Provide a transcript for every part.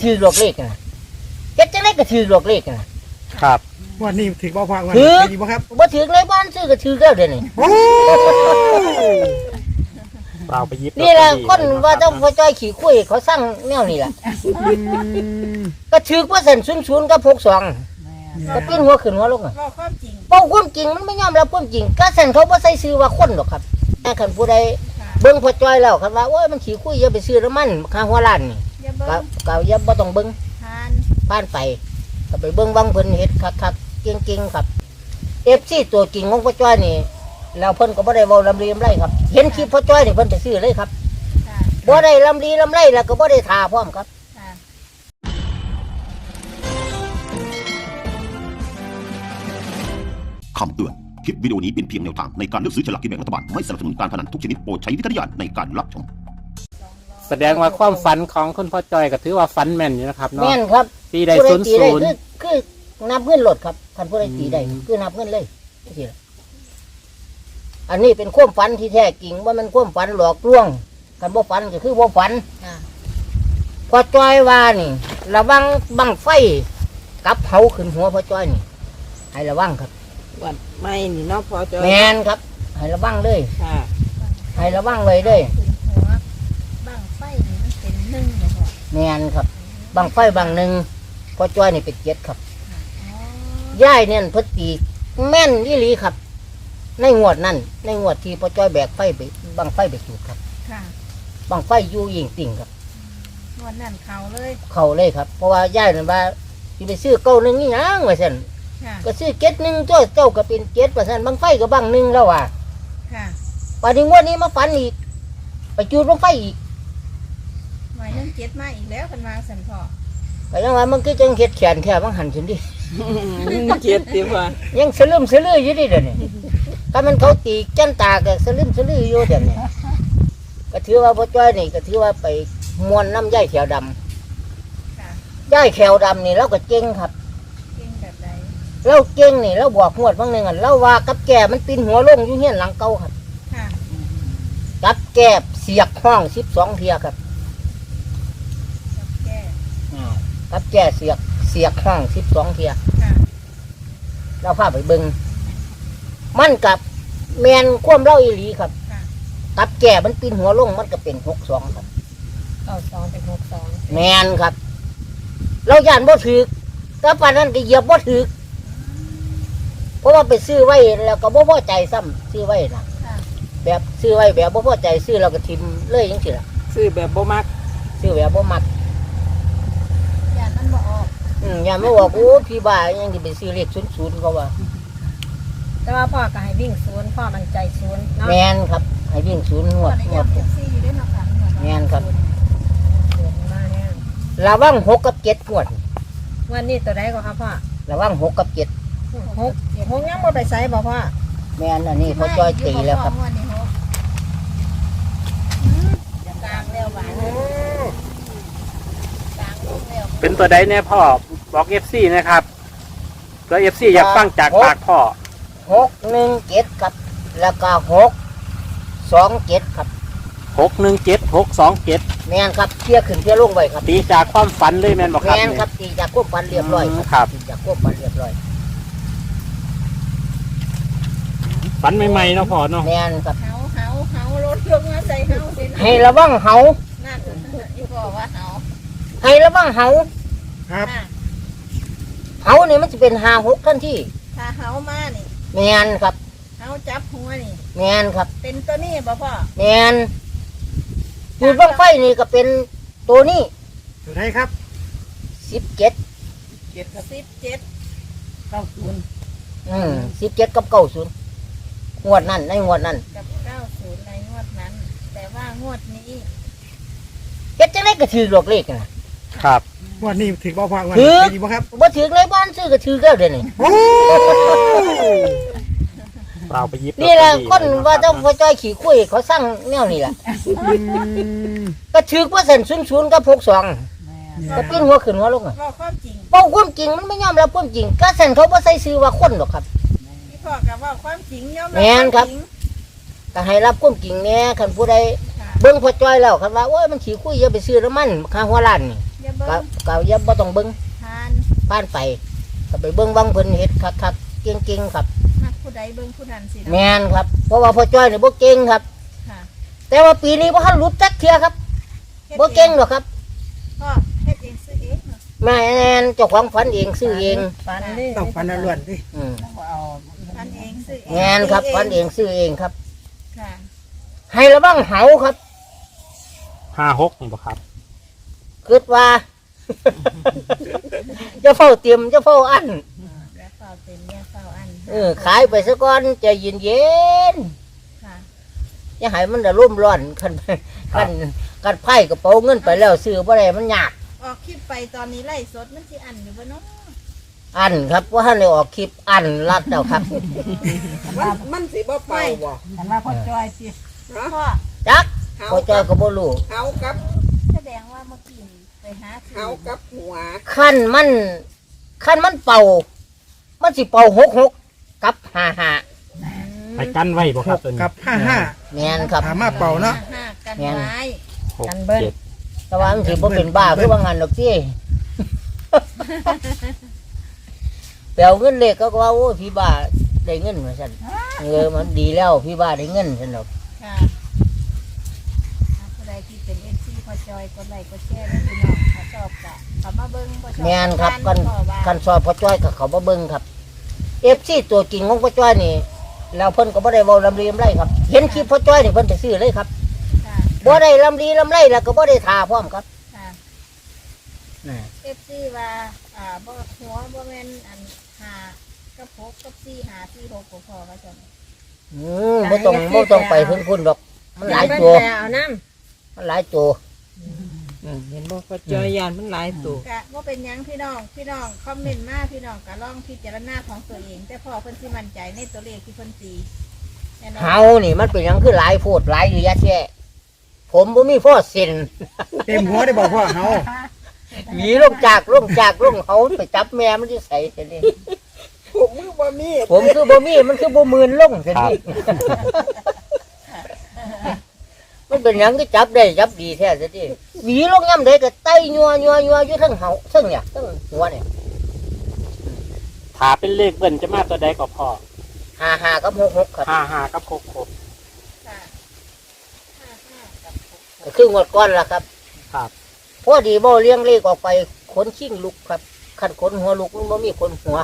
ถือหลอกเลขนะเฮ็ดจังได๋ก็ถือหลอกเลขนะครับวันนี้ถือบ่พอวันถือดีบ่ครับบ่ถือเลยบ้านซื้อก็ถือแล้วเดี๋ยวนี้โอ้เราไปยิบนี่แหละคนว่าต้องพอจ้อยขี้คุยเขาสร้างแนวนี้ล่ะก็ถือว่าเส้น00กับ62ก็ปิ้นหัวขึ้นหัวลงอ่ะว่าความจริงเป้าความจริงมันไม่ยอมรับความจริงก็เส้นเขาบ่ใส่ชื่อว่าคนหรอกครับแต่คันผู้ใดค่ะเบิ่งพอจ้อยแล้วคันว่าโอ้ยมันขี้คุยอย่าไปซื้อน้ำมันค่าหัวล้านนี่อย่าเบิ่ก็งก็อย่าบ่ต้องเบิ่งทานผ่านไปก็ไปเบิ่งวังเพิ่นเฮ็ดคักๆเก่งๆครับ FC ตัวจริงของพ่อจ้อยนี่แล้วเพิ่นก็บ่ได้เว้าลำลีลำไรครับเห็นคลิปพ่อจ้อยนี่เพิ่นไปซื้อเลยครับค่ะบ่ได้ลำลีลำไรแล้วก็บ่ได้ท่าพร้อมครับค่ะคำเตือนคลิปวิดีโอนี้เป็นเพียงแนวทางในการเลือกซื้อฉลากกินแบ่งรัฐบาลไม่สนับสนุนการพนันทุกชนิดโปรดใช้วิจารณญาณในการรับชมแสดงว่าความฝันของคุณพ่อจอยก็ถือว่าฝันแม่นอยู่นะครับเนาะแม่นครับตีได้ผู้ 00 ตีได้คือนับเงินโหลดครับท่านผู้ใดตีได้คือนับเงินเลยจังซี่ล่ะอันนี้เป็นความฝันที่แท้จริงว่ามันความฝันหลอกลวงคันบ่ฝันก็คือบ่ฝันค่ะพ่อจ้อยว่านี่ระวังบังไฟกับเผาขึ้นหัวพ่อจ้อยนี่ให้ระวังครับวัดไม่นี่เนาะพอจอยแมนครับให้ระวังเลยค่ะให้ระวังเลยเลยขึ้นหัวบั้งไฟนี่มันเป็นหนึ่งเลยพ่อแมนครับบังไฟบังหนึ่งพ่อจ้อยนี่เป็นเจ็ดครับอ๋อย่ายเนี่ยเพิ่นตีแม่นยี่หลีครับ ในงวดนั่นในงวดที่พ่อจ้อยแบกไฟไปบังไฟไปจุดครับค่ะบังไฟอยู่ยิงติ่งครับวันนั้นเขาเลยเข้าเลยครับเพราะว่าย่ายนั่นว่าที่ไปซื้อเก้าหนึ่งนี่ยังว่าซั่นค่ะก็ซื้อเจ็ดหนึ่งเจ้าก็เป็นเจ็ดว่าซั่นบังไฟก็บังหนึ่งแล้วว่ะค่ะป่านนี้งวดนี้มาฝันอีก ไปจูดลงไฟอีกหน่วยนึง7มาอีกแล้วเป็นวางสันพ่อก็ยังว่ามันก็จังเฮ็ดแขนแค่บางหันสินดิเจ็ดติว่ายังสลืมสลืออยู่ดิเดี๋ยวนี้ถ้ามันเขาตีจันตาก็สลืมสลืออยู่เดี๋ยวนี้ก็ถือว่าพ่อจ้อยนี่ก็ถือว่าไปมวนน้ำย่ายแขวดค่ะำย่ายแขวดำนี่เราก็เก่งครับเก่งแบบใดเราเก่งนี่เราบอกงวดบางหนึ่งอ่ะเราว่ากับแก่มันปีนหัวลงอยู่เฮียนหลังเก่าครับค่ะกับแก่เสียกห้อง12เทียครับกับแก้กับแก่เสียกห้อง12เทียค่ะเราพาไปเบิงมันกับแมนความเล่าอีหลีครับค่ะกับแก่มันปีนหัวลงมันก็เป็น62ครับ 92เป็น62 แมนครับ เราย่านบ่ถือแต่ปานนั้นก็เหยียบบ่ถือเพราะว่าไปซื้อไว้แล้วก็บ่พอใจซ้ำซื้อไว้นะค่ะแบบซื้อไว้แบบบ่พอใจซื้อเราก็ทิมเลยจังซี่ล่ะซื้อแบบบ่มักซื้อแบบบ่มักอย่ามันบ่ออกอย่ามาบอกโอ้พี่บ้ายังสิไปซื้อเลข00เขาว่าแต่ว่าพ่อก็ให้วิ่ง0พ่อมันใจ0เนาะแมนครับให้วิ่ง0งวดงวด 4อยู่ด้วยเนาะค่ะแม่นครับมาแน่ระวัง6กับ7งวดวันนี้ตัวใดก็ครับพ่อระวัง6กับ7 หกยังบ่ไปใส่บ่พ่อแม่นอันนี้พ่อจ้อยตีแล้วครับวันนี้หกกลางแล้วหวานกลางลงแล้วเป็นตัวใดแน่พ่อบอก FC นะครับแล้ว FC อยากฟังจากปากพ่อ 617ครับแล้วก็627ครับ 617 627 แม่นครับเที่ยขึ้นเที่ยลงไว้ครับตีจากความฝันเลยแม่นบอกครับแม่นครับตีจากควบปันเรียบร้อยครับตีจากควบปันเรียบร้อยฝันใหม่ๆเนาะพ่อเนาะแม่นครับเฮารถลงมาใส่เฮาสิให้ระวังเหานั่นอีพ่อว่าเฮาให้ระวังเหาครับเหานี่มันจะเป็น56ทันทีถ้าเฮามานี่แม่นครับเฮาจับหัวนี่แม่นครับเป็นตัวนี้บ่พ่อแม่นจุดบังไฟนี่ก็เป็นตัวนี้อยู่ไหนครับ 17 เจ็ดครับ 17 17กับ90งวดนั้นในงวดนั้นกับ90ในงวดนั้น แต่ว่างวดนี้เฮ็ดจังได๋ก็ถือหลอกเลขนะครับวันนี้ถือบ่พอวันถือดีบ่ครับบ่ถือเลยบ้านซื้อก็ถือแล้วเดี๋ยวนี้โอ้เราไปยิบนี่แหละลอตเตอรี่คนว่าต้องพอจ้อยขี้คุยเขาสร้างแนวนี้ล่ะ ก็ถือว่าเส้น00กับ62ก็ปิ้นหัวขึ้นหัวลงอ่ะว่าความจริงเป้าความจริงมันไม่ยอมรับความจริงก็เส้นเขาบ่ใส่ชื่อว่าคนหรอกครับพี่พ่อก็ว่าความจริงยอมแม่นครับวามจงก็ให้รับความจริงแหน่คันผู้ใดค่ะเบิ่งพอจ้อยแล้วคันว่าโอ้ยมันขี้คุยอย่าไปซื้อน้ำมันค่าหัวล้านนี่คอย่าเบิ่ก็งก็อย่าบ่ต้องเบิ่งทานผ่านไปก็ไปเบิ่งวังเพิ่นเฮ็ดคักๆเก่งๆครับมักผู้ใดเบิ่งผู้นั้นสิเนาะแม่นครับเพราะว่าพ่อจ้อยนี่บ่เก่งครับค่ะแต่ว่าปีนี้บ่ทันหลุดจักเที่ยครับฮ็ดบ่เก่งหรอกครับพ่อเฮ็ดเองซื้อเองเหรอแม่นเจ้าของฝันเองซื้อเองฝันดิต้องฟันล้วนดิอืมฝันเองซื้อเองแม่นครับฝันเองซื้อเองครับค่ะให้ระวังเหาครับ 56นี่บ่ครับคิดว่า จะเฝ้าเตรียมจะเฝ้าอันอย่าเฝ้าเต็มอย่าเฝ้าอันขายไปซะก่อนใจเย็นค่ะๆอย่าให้มันได้ร่มร้อนคันไพ่กระเป๋าเงินไปแล้วซื้อบ่ได้มันยากออกคลิปไปตอนนี้ไล่สดมันสิอันอยู่บ่เนาะอันครับว่าท่านได้ออกคลิปอันรัดแล้วครับมันสิบ่เป่าบ่แต่ว่าพ่อจอยสิพ่อจักพอจอยก็บ่รู้เฮากับแสดงว่าเมื่อกี้นี่ไปหาซื้อเฮากับหัวขั้นมันเป่า มันสิเป่า66กับ55 ไปกั้นไว้บ่ครับ 6 ตัวนี้กับ55 แม่นครับถามมาเป่าเนาะห้ากันแม่นไว้กันเบิ้ลแต่ว่ามันสิบ่เป็นบ้าคือว่างั้นดอกสิเปลวเงินเล็กก็ว่าโอ้ยพี่บ้าได้เงินมาซั่นมันดีแล้วพี่บ้าได้เงินซั่นดอกค่ะผู้ใดที่เป็น FC พ่อจอยกดไลค์กดแชร์ด้วยพี่น้องถ้าชอบก็เข้ามาเบิ่งบ่ชอบแม่นครับกักันสอบพ่อจ้อยกับเขามาเบิ่งครับ FC ตัวจริงของพ่อจ้อยนี่แล้วเพิ่นก็บ่ได้เว้าลำลีลำไรครับ เห็นคลิปพ่อจ้อยนี่เพิ่นไปซื้อเลยครับค่ะบ่ได้ลำลีลำไรแล้วก็บ่ได้ทาพร้อมครับค่ะน่ะ FC ว่าบ่หัวบ่แม่นอัน5กับ6กับ4 5 4 6พอว่าจังบ่ต้องไปถึงพุ่นดอก มันหลายตัวเอาน้มันหลายตัวเห็นบ่พ่อจอยยานมันหลายตัวำกะว่าเป็นหยังพี่น้องคอมเมนต์มาพี่น้องก็ลองพิจารณาของตัวเอง แต่พอเพิ่นสิมั่นใจในตัวเลขที่เพิ่นตีแน่นอนเฮานี่มันเป็นหยังคือหลายโพดหลายอยู่ยะแท้ผมบ่มีพ่อเซ็นเต็มหัวได้บอกพ่อเฮาหวีลงจากเฮาไปจับแม่มันสิใส่ซั่นนี่ผมมือบ่มีผมคือบ่มีมันคือบ่มื่นลงซั่นนี่ มันเป็นหยังก็จับได้จับดีแท้ซะดิหวีลงย่ำได้ก็ไต่ยัวอยู่ทั้งเฮาทั้งเนี่ยทั้งหัวเนี่ยถ้าเป็นเลขเบิ้ลจะมาตัวใดก็พอ 55กับ66ครับ 55กับ66 ค่ะ55กับ6 ก็คืองวดก้อนล่ะครับครับพอดีบ่เลี้ยงเลขออกไปขนชิ่งลุกครับคันขนหัวลุกมันบ่มีขนหัว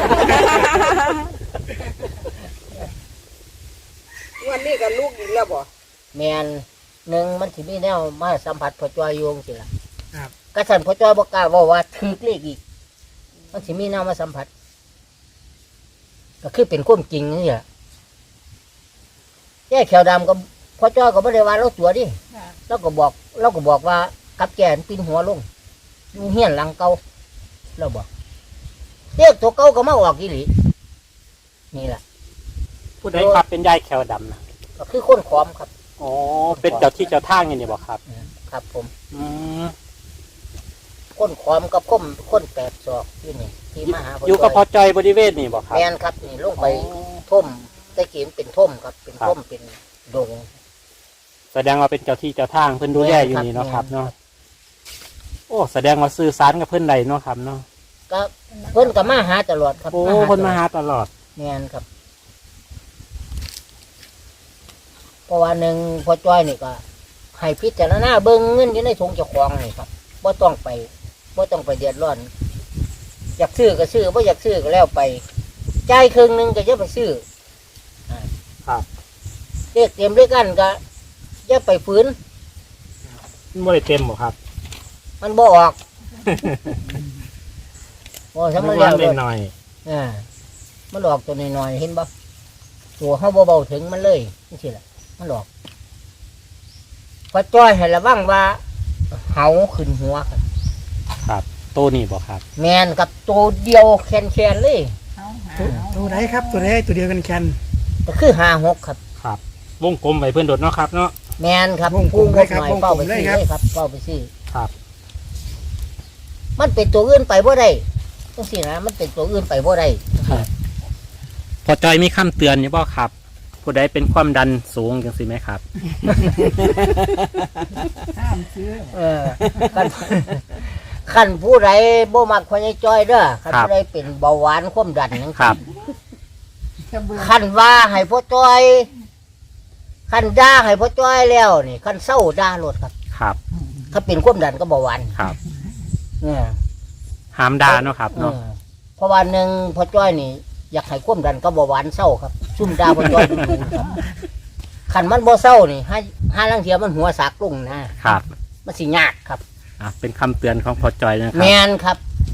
วันนี้ก็ลูกอีกแล้วบ่แม่นหนึ่งมันสิมีแนวมาสัมผัสพ่อจ้อยอยู่จังซี่ล่ะครับกระสันพ่อจ้อยบ่กล้าเว้าว่าถูกเลขอีก มันสิมีแนวมาสัมผัส ก็คือเป็นความจริงนี่แหละแย่แขวดำก็พ่อจ้อยก็บ่ได้ว่าเราตัวดิค่ะเราก็บอกว่ากับแก่นปีนหัวลงอยู่เฮียนหลังเก่าเราบอกเลขตัวเก่าก็มาออกอีหลีนี่แหละผู้ใดครับเป็นยายแขวดำนะก็คือคนขอมครับอ๋อเป็นเจ้าที่เจ้าทางอย่างนี้บ่ครับครับผมอืมคนขอมกับคนแปดศอกอยู่นี่ที่มาหาอยู่กับพ่อจอยบริเวณนี่บ่ครับแมนครับนี่ลงไปท่มตะกี้เป็นท่มครับ เป็นท่มเป็นดงแสดงว่าเป็นเจ้าที่เจ้าทางเพิ่นดูแลอยู่นี่เนาะครับเนาะโอ้แสดงว่าสื่อสารกับเพิ่นใดเนาะครับเนาะก็เพิ่นก็มาหาตลอดครับโอ้เพิ่นมาหาตลอดแมนครับเพราะว่าหนึ่งพอจ้อยนี่ก็ให้พิจารณาเบิ่งเงินอยู่ในถุงเจ้าของนี่ครับบ่ต้องไปเดือดร้อน อยากซื้อก็ซื้อบ่อยากซื้อก็แล้วไปจ่ายครึ่งหนึงก็อย่าไปซื้อครับเลขเต็มเลขอันก็อย่าไปฝืนมันบ่ได้เต็มบ่ครับมันบ่ออก โอ้ทั้งมันวัแล้วนเลยหน่อยมันออกตัวน้อยๆเห็นบ่ตัวเฮาเบาๆถึงมันเลยนี่สิล่ะมันออกพอจ้อยให้ระวังว่าเหาขึ้นหัวครับครับตัวนี้บ่ครับแมนกับตัวเดียวแคนๆเลยตัวไหนครับตัวไหนตัวเดียวกันแคนก็คือ56ครับครับ วงกลมไว้เพิ่นโดดเนาะครับเนาะแมนครับวงกลมเลยครับผู้งบหน่อยวงกเป้าลมไปเลซื้ยอครับเลยครับเป้าไปซื้อครับมันเป็นตัวอื่นไปบ่ได้จังซี่นะมันเป็นตัวอื่นไปบ่ได้พอจอยมีคำเตือนอยู่บ่ครับ ผู้ใดเป็นความดันสูงจังซี่ไหมครับเออกันขันผู้ใดบ่มักพญาจ้อยเด้อขันครับผู้ใดเป็นเบาหวานความดันนั่นครับขันว่าให้พ่อจ้อยขันด่าให้พ่อจ้อยแล้วนี่ขันเศร้าด่าโลดครับครับถ้าเป็นความดันก็เบาหวานครับเนี่ยห้ามด่าเนาะครับเนาะเพราะว่าหนึ่งพ่อจ้อยนี่อยากให้ความดันก็เบาหวานเศร้าครับซุ่มด่าพ่อจ้อยดูครับขันมันบ่เศร้านี่ให้ลังเทียมันหัวสากลุ่งนะครับ มันสิยากครับเป็นคำเตือนของพ่อจอยนะคแมรับนครับ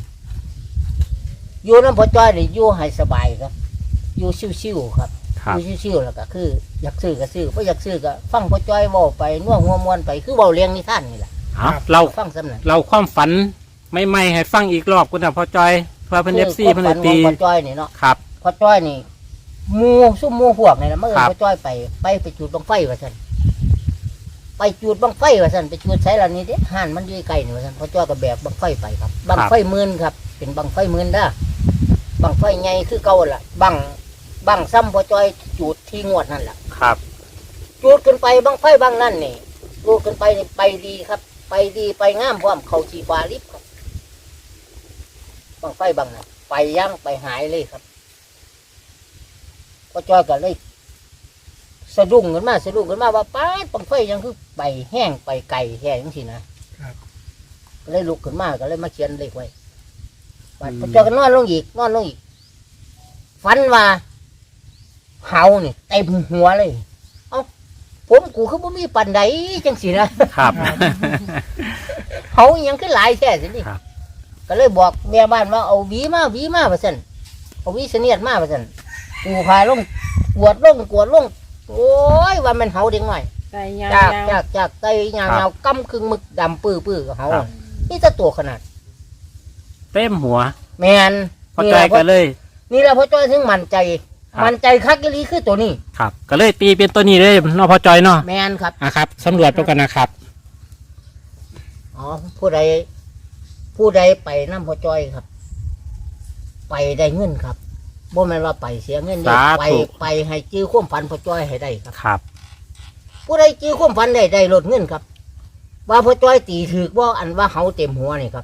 อยู่น้ำพ่อจ้อยนี่อยู่ให้สบายครับ อยู่ชิวๆครับครับอยู่ชิวๆแล้วก็คือ อยากซื้อก็ซื้อบ่อยากซื้อก็ฟังพ่อจ้อยเว้าไปน่วงหัวมวนไปคือเว้าเลี้ยงนิทานนี่แหละเอาเราฟังสำนักเราความฝันไม่ให้ฟังอีกรอบคุณนะพ่อจอยเพื่อเพิ่น FC เพิ่นเลยตีพ่อจ้อยนี่เนาะครับพ่อจ้อยนี่หมู่ซุ่มหมู่พวกนี่นะเมื่อครับพ่อจ้อยไปจุดบังไฟว่าซั่นไปจุดบังไฟว่าซั่นไปจุดไสล่ะนี่เด้ห่านมันอยู่ใกล้นี่ว่าซั่นพ่อจ้อยก็แบกบังไฟไปครับบังไฟหมื่นครับ เป็นบังไฟหมื่นเด้อบังไฟใหญ่คือเก่าล่ะบังซ้ำพ่อจ้อยจุดที่งวดนั่นล่ะครับจูดขึ้นไปบังไฟบังนั่นนี่จูดขึ้นไปนี่ไปดีครับ ไปดีไปงามพร้อมเขาชีฟ้าลิบครับบังไฟบังนั่นไปย่างไปหายเลยครับพอจอยก็เลยสะดุ้งขึ้นมาว่าป้าดบังไฟยังคือไปแห้งไปไก่แห้งสินะครับ ก็เลยลุกขึ้นมาก็เลยมาเขียนเลขไว้บัดพอจอยก็นอนลงอีกฝันว่าเฮานี่เต็มหัวเลย ผมกูคือบ่มีปันใดจังสินะครับ เขาอิหยังคือหลายแท้สินี่ครับก็เลยบอกแม่บ้านว่าเอาหวีมาว่าซั่นเอาหวีเสนียดมาว่าซั่นกูพาลงกวดลงโอ้ยว่ามันเฮาเด็กน้อยไก่ยาจากไตยางครับเงากำครึ่งมึกดำปื้อกับเฮานี่จะตัวขนาดเต็มหัวแม่นพ่อจอยก็เลยนี่แหละพ่อจ้อยถึงมั่นใจครับมั่นใจคักอีหลีคือตัวนี้ครับ ก็เลยตีเป็นตัวนี้เลยเนาะพ่อจอยเนาะแม่นครับครับสำรวจไปกันนะครับอ๋อผู้ใดไปน้ำพ่อจ้อยครับ ไปได้เงินครับบ่แม่นว่าไปเสียเงินเด้สาธุไปให้จื้อความฝันพ่อจ้อยให้ได้ครับครับผู้ใดจื้อความฝันได้ลดเงินครับ ว่าพ่อจ้อยตีถือว่าอันว่าเฮาเต็มหัวนี่ครับ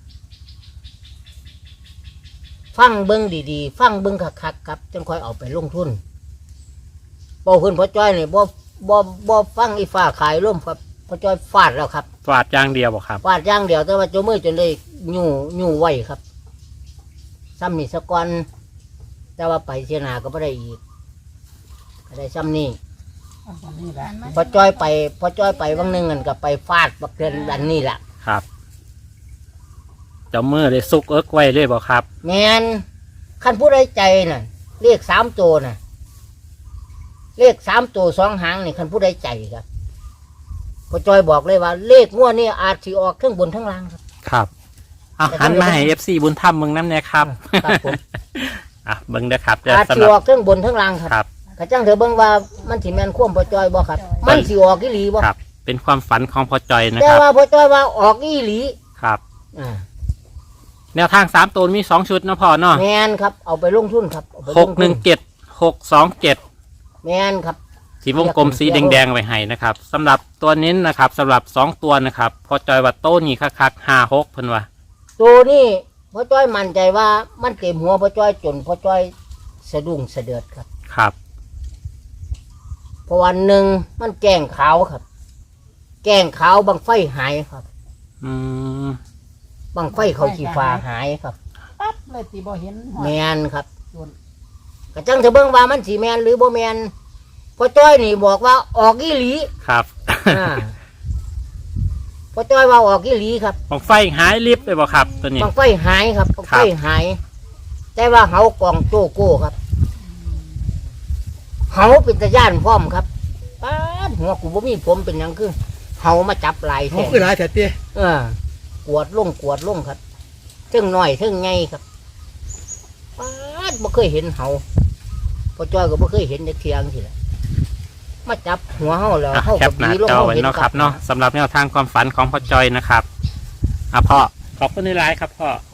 ฟังเบิ้งดีๆ ฟังเบิ้งคักๆครับจังค่อยเอาไปลงทุนบอกเพิ่นพ่อจ้อยนี่บ่ฟังอีฟ้าขายร่มครับพ่อจ้อยฟาดแล้วครับฟาดอย่างเดียวบ่ครับฟาดอย่างเดียวแต่ว่าโจมือจนเลยยู่ไว้ครับซ้ำนี่สะก่อนแต่ว่าไปเสียหนาก็ไม่ได้อีกก็ได้ซ้ำนี่พอจ้อยไปวันหนึ่งกันก็ไปฟาดบักเดือนดันนี่แหละครับเจ้ามือเลยซุกเอิกไว้เลยบ่ครับแมนขั้นผู้ใดใจน่ะเลข3 ตัวน่ะเลข3 ตัว2 หางนี่ขั้นผู้ใดใจครับพอจ้อยบอกเลยว่า เลขงวดนี่อาจสิออกเครื่องบนทั้งล่างครับครับเอาหันมาให้ FC บุญธรรมเมืองน้ำเนี่ยครับครับผมเบิ่งเด้อครับเดี๋ยวอาจสำสิหรับออกเครื่องบนทั้งล่างครับครับกระจังเถอะเบิ่งว่ามันสิแม่นความพอจ้อยบ่ครับ มันสิออกอีหลีบ่ครับ เป็นความฝันของพ่อจอยนะแต่ครับว่าพอจ้อยว่าออกอีหลีครับอ่าแนวทาง3ตัวมี2ชุดเนาะพ่อเนาะแมนครับเอาไปลงทุนครับเอาไปลงทุ 617 แมนครับสีวงกลมสีแดงๆไว้ให้นะครับสำหรับตัวนี้นะครับสำหรับ2ตัวนะครับพ่อจอยว่าโต้นี่คักๆ56เพิ่นว่าตัวนี้พ่อจ้อยมั่นใจว่ามันเต็มหัวพ่อจ้อยจนพ่อจ้อยสะดุ้งสะเดือดครับครับเพราะวันหนึ่งมันแกล้งขาวครับ แกล้งขาวบังไฟหายครับอืมบังไฟเขาชีฟ้าหายครับปั๊บเลยตีบ่เห็นหอแมยนครับกระจังเถอะเบิ่งว่ามันสีแมนหรือบ่แมนพ่อจ้อยนี่บอกว่าออกอีหลีครับอ่าพ่อจ้อยว่าออกอีหลีครับของไฟหายลิฟต์เลยบ่ครับตัวนี้บังไฟหายครับบังครัไฟบหาย แต่ว่าเฮากองโจโก้ครับเฮาเป็นตะย่านพร้อมครับป้าดหัวกูบ่มีผมเป็นหยังคือเฮามาจับลายเขาแท้คือหลายแต่เตี้ยกวดลงครับเทิงน้อยเทิงใหญ่ครับป้าดบ่เคยเห็นเฮาพ่อจ้อยก็บ่เคยเห็นในเทียงสิแหละมาจับหัวเฮาแล้วอ่ะเฮาแคก็ปหน้าบีลงจอเฮาไว้เห็นเนาะคครัรับบเนาะสำหรับแนวทางความฝันของพ่อจอยนะครับพ่อขอบคุณหลายๆครับพ่อ